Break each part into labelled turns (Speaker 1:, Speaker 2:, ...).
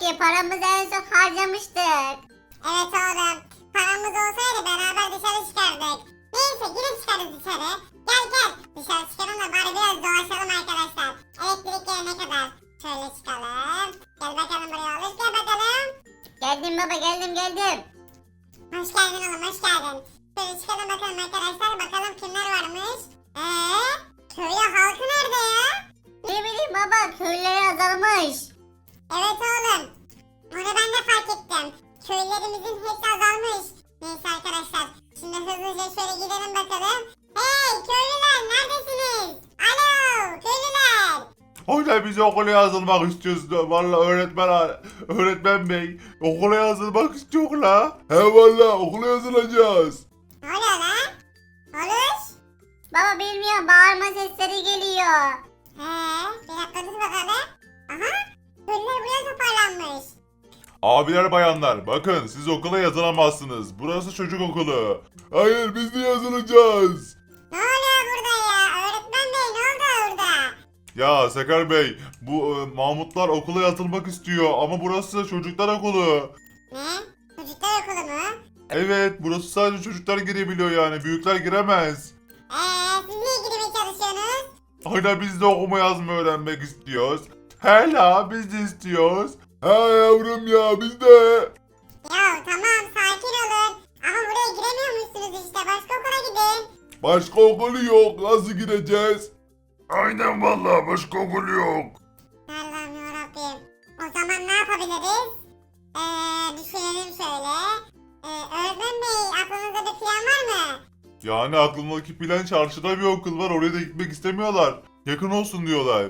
Speaker 1: ki paramızı en son harcamıştık.
Speaker 2: Evet oğlum. Paramız olsaydı beraber dışarı çıkardık. Neyse girip çıkarız dışarı. Gel gel. Dışarı çıkalım da bari biraz dolaşalım arkadaşlar. Elektrik gelene kadar. Şöyle çıkalım. Gel bakalım buraya olur. Gel bakalım.
Speaker 1: Geldim baba, geldim.
Speaker 2: Hoş geldin oğlum, hoş geldin. Şöyle çıkalım bakalım arkadaşlar. Bakalım kimler varmış. Köyü halkı nerede ya?
Speaker 1: Ne bileyim baba, köylüler azalmış.
Speaker 2: Evet oğlum. Onu ben de fark ettim. Köylerimizin hepsi azalmış. Neyse arkadaşlar. Şimdi hızlıca şöyle gidelim bakalım. Hey köylüler neredesiniz? Alo köylüler.
Speaker 3: Hocam biz okula yazılmak istiyoruz. Valla öğretmen bey okula yazılmak istiyor la. He valla okula yazılacağız.
Speaker 2: Ne oluyor lan? Oluş.
Speaker 1: Baba bilmiyorum, bağırma sesleri geliyor.
Speaker 2: Bir dakika dur bakalım. Aha. Köylüler buraya toparlanmış.
Speaker 3: Abiler bayanlar bakın siz okula yazılamazsınız. Burası çocuk okulu. Hayır biz de yazılacağız.
Speaker 2: Ne oluyor burada ya? Öğretmen bey ne oldu orada?
Speaker 3: Ya Sakar Bey bu Mahmutlar okula yazılmak istiyor ama burası çocuklar okulu.
Speaker 2: Ne? Çocuklar okulu mu?
Speaker 3: Evet burası sadece çocuklar girebiliyor yani büyükler giremez.
Speaker 2: Siz niye girmeye çalışıyorsunuz?
Speaker 3: Aynen biz de okuma yazma öğrenmek istiyoruz. Hela biz de istiyoruz. Ha yavrum ya biz de.
Speaker 2: Ya tamam sakin olun. Ama buraya giremiyormuşsunuz işte. Başka okula gidin.
Speaker 3: Başka okulu yok. Nasıl gireceğiz? Aynen vallahi başka okul yok.
Speaker 2: Allah'ım yarabbim. O zaman ne yapabiliriz? Düşünelim şöyle. Öğretmen bey aklınızda bir plan var mı?
Speaker 3: Yani aklımdaki plan çarşıda bir okul var. Oraya da gitmek istemiyorlar. Yakın olsun diyorlar.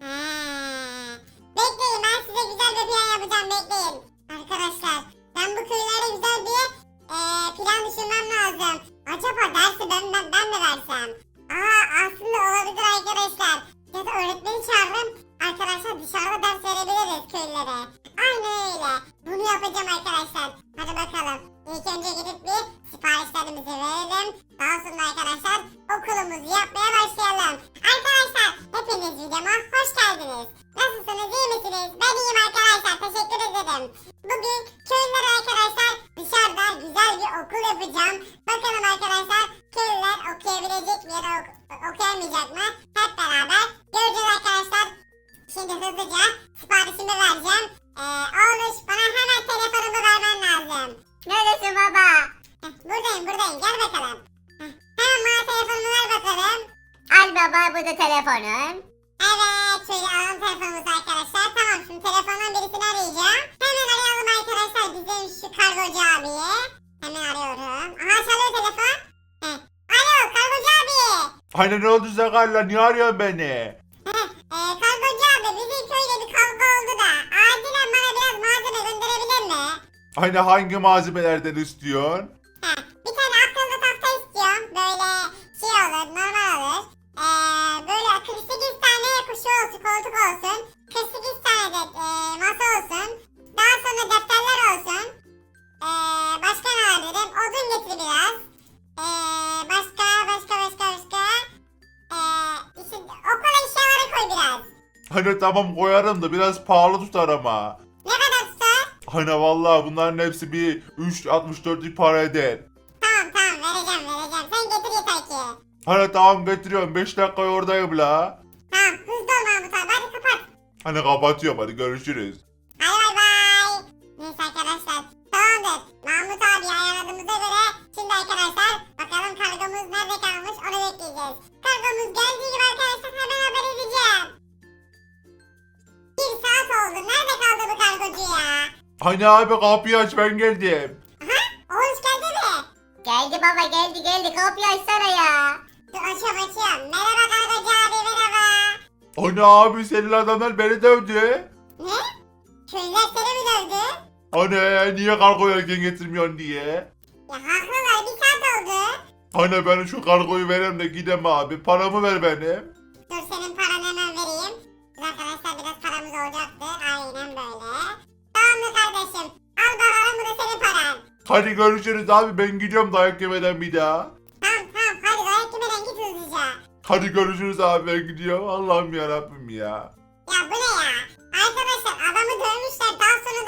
Speaker 2: Bekleyin ben size güzel bir plan yapacağım bekleyin. Arkadaşlar ben bu köylere güzel bir plan düşünmem lazım. Acaba dersi ben mi versem? Aslında olabilir arkadaşlar. Ya da öğretmeni çağırırım. Arkadaşlar dışarıda ders verebiliriz köylere. Aynen öyle. Bunu yapacağım arkadaşlar. Hadi bakalım. İlk önce gidip bir siparişlerimizi verelim. Daha sonra arkadaşlar okulumuzu yapmaya başlayalım. Arkadaşlar hepiniz videoma hoş geldiniz. Nasılsınız, iyi misiniz? Ben iyiyim arkadaşlar, teşekkür ederim. Bugün köylülere arkadaşlar dışarıda güzel bir okul yapacağım. Bakalım arkadaşlar köylüler okuyabilecek mi ya da okuyamayacak mı? Hep beraber göreceğiz arkadaşlar. Şimdi hızlıca siparişimi vereceğim. Oğluş bana hemen telefonumu vermen lazım.
Speaker 1: Neredesin baba?
Speaker 2: Buradayım gel bakalım. Hemen bana telefonumu ver bakalım.
Speaker 1: Al baba, bu da telefonun.
Speaker 2: Evet şöyle alalım telefonumuzu arkadaşlar. Tamam şimdi telefondan birisini arayacağım. Hemen arayalım arkadaşlar bizim şu kargocu abiyi. Hemen arıyorum. Aha çalıyor telefon. Alo kargocu abi.
Speaker 3: Aynen ne oldu Sakar'la? Niye arıyorsun beni?
Speaker 2: Kargocu abi bizim köyde bir kavga oldu da. Acilen bana biraz malzeme gönderebilir mi?
Speaker 3: Aynen hangi malzemelerden istiyorsun?
Speaker 2: Bir tane akıllı tahta istiyorum. Böyle şey olur normal olur. Böyle 48 tane kuşu olsun koltuk olsun. 48 tane de masa olsun. Daha sonra defterler olsun. Başka ne alabilirim? Odun getir biraz. Başka. İşte okul eşyaları koy biraz.
Speaker 3: Hani tamam koyarım da biraz pahalı tutar ama.
Speaker 2: Ne kadar tutar?
Speaker 3: Hani vallahi bunların hepsi bir 3.64 para eder.
Speaker 2: Tamam vereceğim. Sen getir yeter ki.
Speaker 3: Hani tamam getiriyorum 5 dakika oradayım la.
Speaker 2: Tamam hızlı ol Mahmut abi hadi kapat.
Speaker 3: Hani kapatıyorum hadi görüşürüz.
Speaker 2: Bay. Neyse arkadaşlar tamamdır. Mahmut abi ayarladığımıza göre şimdi arkadaşlar bakalım kargomuz nerede kalmış onu bekleyeceğiz. Kargomuz geldiği gibi arkadaşlar hemen haber edeceğim. 1 saat oldu. Nerede kaldı bu kargocu ya?
Speaker 3: Hani abi kapıyı aç ben geldim.
Speaker 2: Oğuz geldi mi?
Speaker 1: Geldi baba, geldi. Kapıyı açsana ya.
Speaker 2: Dur açıyorum. Merhaba kargocu abi merhaba.
Speaker 3: Hani abi senin adamlar beni dövdü.
Speaker 2: Ne? Köylüler seni mi dövdü?
Speaker 3: Hani niye kargo erken getirmiyorsun diye.
Speaker 2: Ya haklılar 1 saat oldu.
Speaker 3: Hani ben şu kargoyu vereyim de gidem abi paramı ver benim.
Speaker 2: Dur senin paranı hemen vereyim. Biz arkadaşlar biraz paramız olacaktı. Aynen böyle. Tamamdır kardeşim. Al bakalım bu da senin paran.
Speaker 3: Hadi görüşürüz abi ben gidiyorum dayak yemeden bir daha.
Speaker 2: Tamam hadi dayak yemeden git hızlıca.
Speaker 3: Hadi görüşürüz abi ben gidiyorum. Allah'ım yarabbim ya.
Speaker 2: Ya bu ne ya? Arkadaşlar adamı dövmüşler daha sonra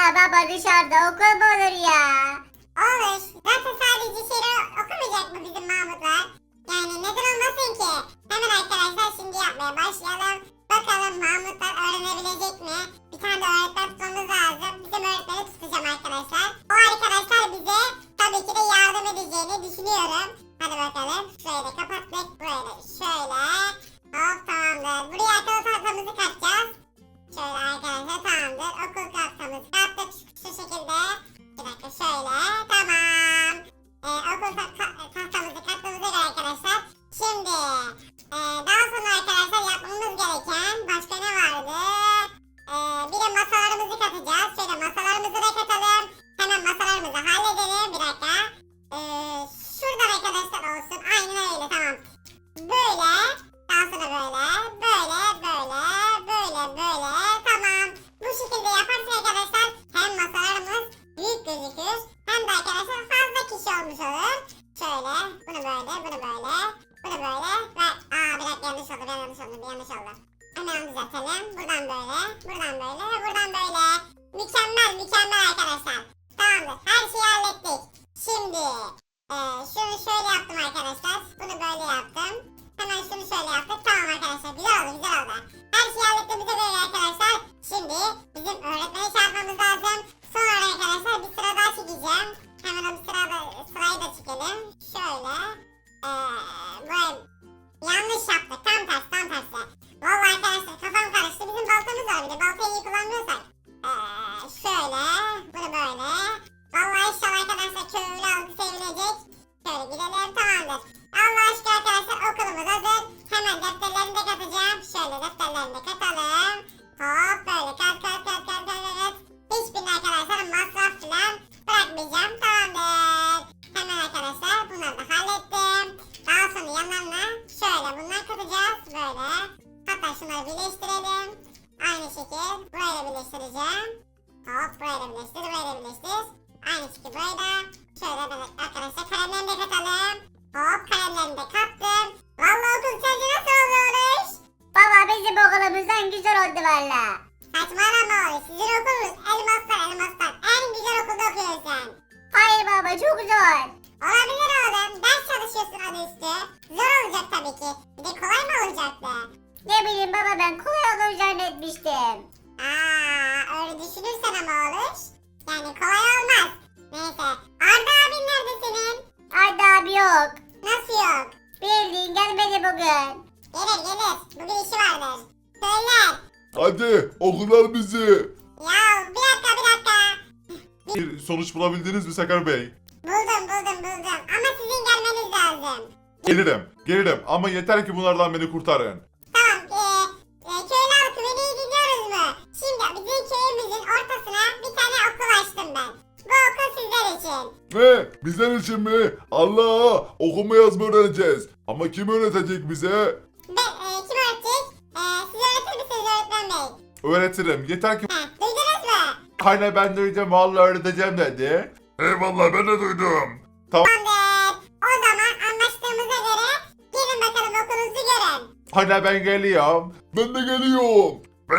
Speaker 1: baba dışarıda okul mu olur ya?
Speaker 2: Olur. Zaten sadece şiiri okumayacak mı bizim Mahmutlar? Yani neden olmasın ki? Hemen arkadaşlar şimdi yapmaya başlayalım. Bakalım Mahmutlar öğrenebilecek mi? Bir tane de öğretmen tutmamız lazım. Bizim öğretmeni tutacağım arkadaşlar. O arkadaşlar bize tabii ki de yardım edeceğini düşünüyorum. Hadi bakalım. Şöyle kapattık. Böyle şöyle. Hop tamamdır. Buraya akıllı tahtamızı katacağız. Şöyle arkadaşlar tamamdır. Okul tahtamızı kattık şu şekilde. Bir dakika şöyle. Tamam. Okul tahtamızı kattığımıza göre arkadaşlar. Şimdi daha sonra arkadaşlar yapmamız gereken başka ne vardı? Bir de masalarımızı katacağız. Şöyle masalarımızı da katalım. Hemen masalarımızı halledelim. Bir dakika. Şuradan arkadaşlar olsun. Aynen öyle tamam. Böyle. Daha sonra böyle. Böyle. Böyle. Tamam. Bu şekilde yaparsak arkadaşlar hem masalarımız büyük gözükür. Hem de arkadaşlar fazla kişi olmuş olur. Şöyle. Bunu böyle. Bunu böyle. Bunu böyle. Ve bir dakika yanlış oldu. Hemen onu düzeltelim. Buradan böyle. Buradan böyle. Ve buradan böyle. Mükemmel arkadaşlar. Tamamdır. Her şeyi hallettik. Şimdi şunu şöyle yaptım arkadaşlar. Bunu böyle yaptım. Hemen şunu şöyle yaptık. Tamam arkadaşlar. Güzel oldu. Her şeyi hallettiğimize göre arkadaşlar. Şimdi bizim öğretmeni çağırmamız lazım. Sonra arkadaşlar bir sıra daha çekeceğim. Hemen o sırayı da çekelim. Şöyle. Böyle yanlış yaptık. Tam tersi. Vallahi arkadaşlar kafam karıştı. Bizim baltamız var bir de. Baltayı iyi kullanmıyorsak. Şöyle. Bunu böyle. Vallahi inşallah arkadaşlar köylü algı sevinecek. Şöyle gidelim. Tamamdır. Allah aşkına arkadaşlar okulumuz hazır. Hemen defterlerini de katacağım. Şöyle defterlerini de katalım. Hop böyle kat. Hiçbirine arkadaşlar masraf falan bırakmayacağım. Tamamdır. Hemen arkadaşlar bunları da hallettim. Daha sonra yanlarına şöyle bunları katacağız. Böyle. Hatta şunları birleştirelim. Aynı şekil burayla birleştireceğim. Hop burayla birleştir. Aynı şekil burada. Şöyle böyle arkadaşlar kalemlerini de katalım. Hop kalemlerini de kattım. Vallahi okul sence nasıl olmuş?
Speaker 1: Baba bizim okulumuzdan güzel oldu valla.
Speaker 2: Saçmalama oğlum. Sizin okulunuz elmaslar. En güzel okulda okuyorsun sen.
Speaker 1: Hayır baba çok zor.
Speaker 2: Olabilir oğlum. Ders çalışıyorsun adı üstü. Zor olacak tabii ki. Bir de kolay mı olacaktı?
Speaker 1: Ne bileyim baba ben kolay olur zannetmiştim.
Speaker 2: Öyle düşünürsen ama olur. Yani kolay olmaz. Neyse. Arda abin nerede senin?
Speaker 1: Arda abi yok.
Speaker 2: Nasıl yok?
Speaker 1: Bildiğin gelmedi bugün.
Speaker 2: Gelir. Bugün işi vardır. Söyler.
Speaker 3: Hadi okullar bizi.
Speaker 2: Ya bir dakika.
Speaker 3: Bir sonuç bulabildiniz mi Sakar Bey?
Speaker 2: Buldum. Ama sizin gelmeniz lazım.
Speaker 3: Gelirim ama yeter ki bunlardan beni kurtarın.
Speaker 2: Tamam. Köylü halkı beni iyi dinliyoruz mu? Şimdi bizim köyümüzün ortasına bir tane okul açtım ben. Bu okul sizler için.
Speaker 3: Ne? Bizler için mi? Allah! Okuma yazma öğreneceğiz. Ama kim öğretecek bize?
Speaker 2: Kim öğretecek? Siz öğretir misiniz öğretmen bey?
Speaker 3: Öğretirim. Yeter ki...
Speaker 2: Duydunuz mu?
Speaker 3: Aynen ben duydum. Vallahi öğreteceğim dedi. Eyvallah ben de duydum.
Speaker 2: Tamamdır. O zaman anlaştığımıza göre gelin bakalım okulunuzu görün.
Speaker 3: Aynen ben geliyorum. Ben de geliyorum.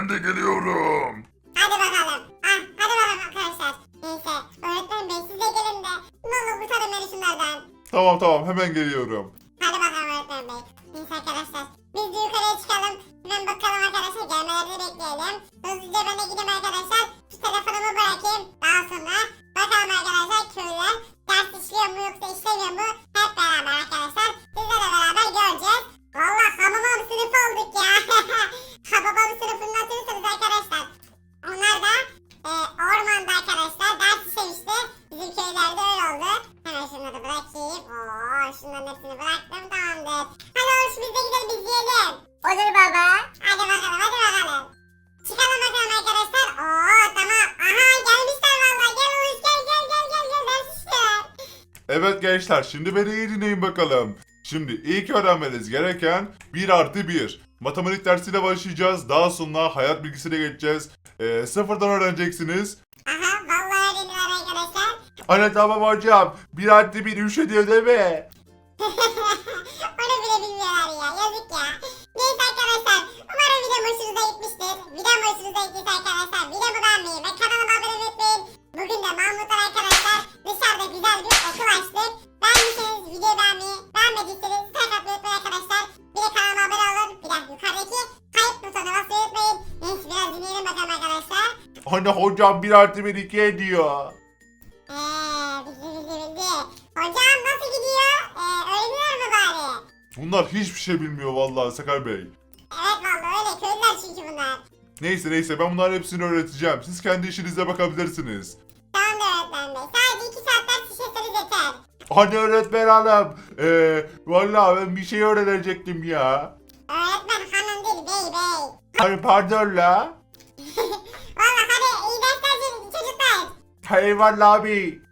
Speaker 2: Hadi bakalım. Hadi bakalım arkadaşlar. Neyse öğretmen bey siz de gelin de. Ne olur kurtarın beni şunlardan.
Speaker 3: Tamam hemen geliyorum.
Speaker 2: Hadi bakalım öğretmen bey. Neyse arkadaşlar. Biz de yukarıya çıkalım. Hemen bakalım arkadaşlar. Gelmelerini bekleyelim. Hızlıca ben de gideyim arkadaşlar. Şu telefonumu bırakayım. Daha sonra bakalım arkadaşlar köylüler ders işliyor mu yoksa işlemiyor mu? Hep beraber arkadaşlar. Sizlerle beraber göreceğiz. Valla hamamam sınıfı olduk ya. Hamamam sınıfını hatırlıyorsunuz arkadaşlar. Onlar da ormanda arkadaşlar ders işlemişti. Bizim köylerde öyle oldu. Hemen şunları bırakayım. Şunların hepsini bıraktım. Tamamdır. Hadi oğlum biz de gidelim izleyelim.
Speaker 1: Olur baba.
Speaker 2: Hadi bakalım. Çıkalım bakalım arkadaşlar. Tamam. Aha gelmişler valla. Gel Oğuz gel. Ders işler.
Speaker 3: Evet gençler şimdi beni iyi dinleyin bakalım. Şimdi ilk öğrenmeniz gereken 1+1. Matematik dersiyle başlayacağız. Daha sonra hayat bilgisine geçeceğiz. Sıfırdan öğreneceksiniz.
Speaker 2: Aha vallahi öğreniyorlar arkadaşlar.
Speaker 3: Anne tamam hocam. 1+1 3 ediyor değil mi?
Speaker 2: Onu bile bilmiyorlar ya. Yazık ya. Neyse arkadaşlar. Umarım video hoşunuza gitmiştir. Video hoşunuza gittiyse arkadaşlar videomu beğenmeyi ve kanalıma abone olmayı unutmayın. de Mahmutlar arkadaşlar dışarıda güzel bir okul açtık. Beğendiyseniz videoyu beğenmeyi, beğenmediyseniz like atmayı unutmayın arkadaşlar. Bir de kanalıma abone olun. Bir de yukarıdaki kayıt butonuna basmayı unutmayın. Neyse biraz dinleyelim bakalım arkadaşlar.
Speaker 3: Hani hocam 1+1 2 ediyor.
Speaker 2: Bildi. Hocam nasıl gidiyor? Öğreniyor mu bari?
Speaker 3: Bunlar hiçbir şey bilmiyor vallahi Sakar Bey.
Speaker 2: Evet vallahi öyle köylüler çünkü bunlar.
Speaker 3: Neyse ben bunların hepsini öğreteceğim. Siz kendi işinize bakabilirsiniz.
Speaker 2: Tamam da öğretmen bey. Sadece 2 saat ders işleseniz yeter.
Speaker 3: Hani öğretmen hanım. Vallahi ben bir şey öğrenecektim ya.
Speaker 2: Öğretmen hanım değil bey.
Speaker 3: Hani pardon la.
Speaker 2: Valla hadi iyi dersler çocuklar.
Speaker 3: Eyvallah abi.